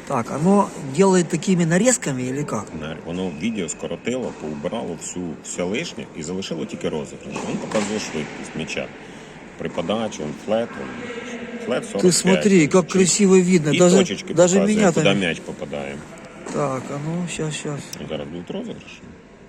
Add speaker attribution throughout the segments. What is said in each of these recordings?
Speaker 1: Так, оно делает такими нарезками или как?
Speaker 2: Воно відео скоротило, поубирало все лишнє і залишило тільки розіграш. Він показує швидкість м'яча. При подачі, флет 45.
Speaker 1: Ты смотри, как красиво видно.
Speaker 2: І
Speaker 1: Даже,
Speaker 2: точечки
Speaker 1: даже
Speaker 2: показує,
Speaker 1: меня
Speaker 2: куди
Speaker 1: там...
Speaker 2: м'яч попадає.
Speaker 1: Так, а ну, сейчас.
Speaker 2: Зараз будуть розіграші.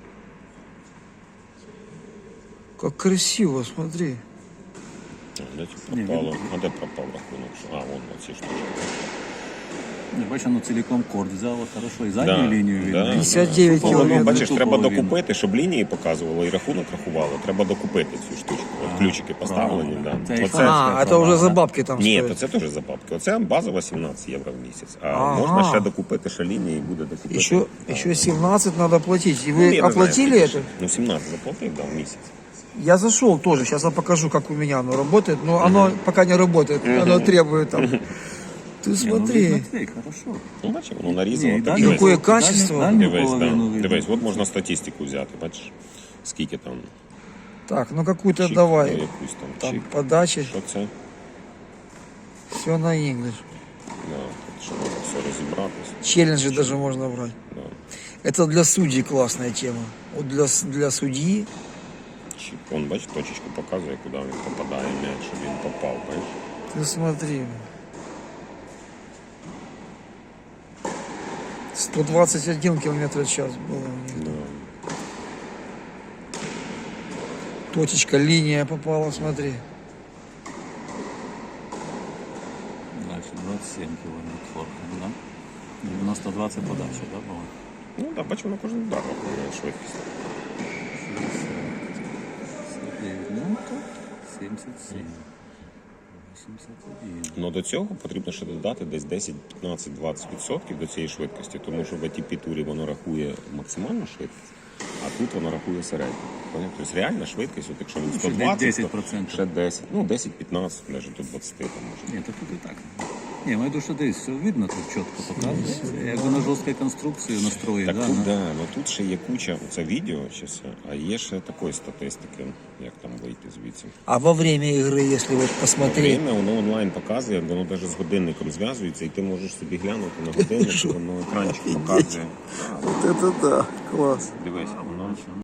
Speaker 1: Как красиво, смотри.
Speaker 2: Де пропало? А де пропав рахунок? А, вон ці штучки.
Speaker 3: Не, бачиш, воно цілком корд взяло хорошо, і задню лінію видно.
Speaker 1: 59
Speaker 2: Воно,
Speaker 1: кілометрів.
Speaker 2: бачиш, треба
Speaker 3: Тупо
Speaker 2: докупити, щоб лінії показувало і рахунок рахувало. Треба докупити цю штучку. От ключики поставлені.
Speaker 3: правильно.
Speaker 2: Да.
Speaker 3: Це
Speaker 2: Оце...
Speaker 1: А, это уже за бабки там
Speaker 2: Ні,
Speaker 1: стоит.
Speaker 2: то це теж за бабки. Оце базова 17 євро в місяць. А
Speaker 1: Ага.
Speaker 2: можна ще докупити, ще лінії буде докупити.
Speaker 1: Еще 17 надо платить. И
Speaker 2: Ну,
Speaker 1: вы
Speaker 2: я не знаю,
Speaker 1: оплатили
Speaker 2: скільки
Speaker 1: это?
Speaker 2: ж. Ну, 17 заплатив, да, в місяць.
Speaker 1: Я зашел тоже. Сейчас я покажу, как у меня оно работает. Но оно пока не работает. Оно требует там. Ты
Speaker 3: Ну,
Speaker 1: смотри.
Speaker 3: видно, цей, хорошо.
Speaker 2: Ну, бачиш, воно нарізало.
Speaker 3: Ні,
Speaker 2: так,
Speaker 3: дальню-
Speaker 2: дивись.
Speaker 1: Какое качество.
Speaker 3: дальню
Speaker 2: Дивись,
Speaker 3: половину
Speaker 2: да.
Speaker 3: видно.
Speaker 2: Дивись, от можна статистику взяти, бачиш, скільки там.
Speaker 1: Так, ну какую-то
Speaker 2: чик,
Speaker 1: давай.
Speaker 2: якусь там
Speaker 1: Там
Speaker 2: чик.
Speaker 1: подачи.
Speaker 2: Що це?
Speaker 1: Все на English.
Speaker 2: Да, тут ще треба все розібратися.
Speaker 1: Челленджи даже можно брать.
Speaker 2: Да.
Speaker 1: Это для судей классная тема. Вот для судьи.
Speaker 2: Чик. Вон, бачиш, точечку показує, куди він попадає м'яч, щоб він попав, бачиш?
Speaker 1: Ты смотри. 121 километр в час было у них.
Speaker 2: Да.
Speaker 1: Точечка, линия попала, смотри.
Speaker 3: Дальше 27 кілометрів форхенд, да? І на 120 подача, да, було?
Speaker 2: Ну так, бачимо, на кожен удар рахує швидкість.
Speaker 3: 69, ну так, 77. 81.
Speaker 2: Ну до цього потрібно ще додати десь 10, 15, 20% до цієї швидкості, тому що в ATP-турі воно рахує максимальну швидкість, а тут воно рахує середню. Поняв? Тобто реальна швидкість, от якщо він 120, то
Speaker 3: 10%.
Speaker 2: ще 10, ну 10-15, навіть до 20 там може.
Speaker 3: Ні, то тут і так. Ні, маю душу дивись, все видно, тут чітко показується. Якби на жорсткій конструкції настрої,
Speaker 2: Так
Speaker 3: да,
Speaker 2: тут,
Speaker 3: на-
Speaker 2: да, ну тут ще є куча, це відео, щас, а є ще такої статистики, як там вийти звідси.
Speaker 1: А во время игры, если вот посмотреть,
Speaker 2: Время воно онлайн показує, воно навіть з годинником зв'язується, і ти можеш собі глянути на годинник, воно екранчик показує.
Speaker 1: вот это да, класс.
Speaker 2: Дивись, воно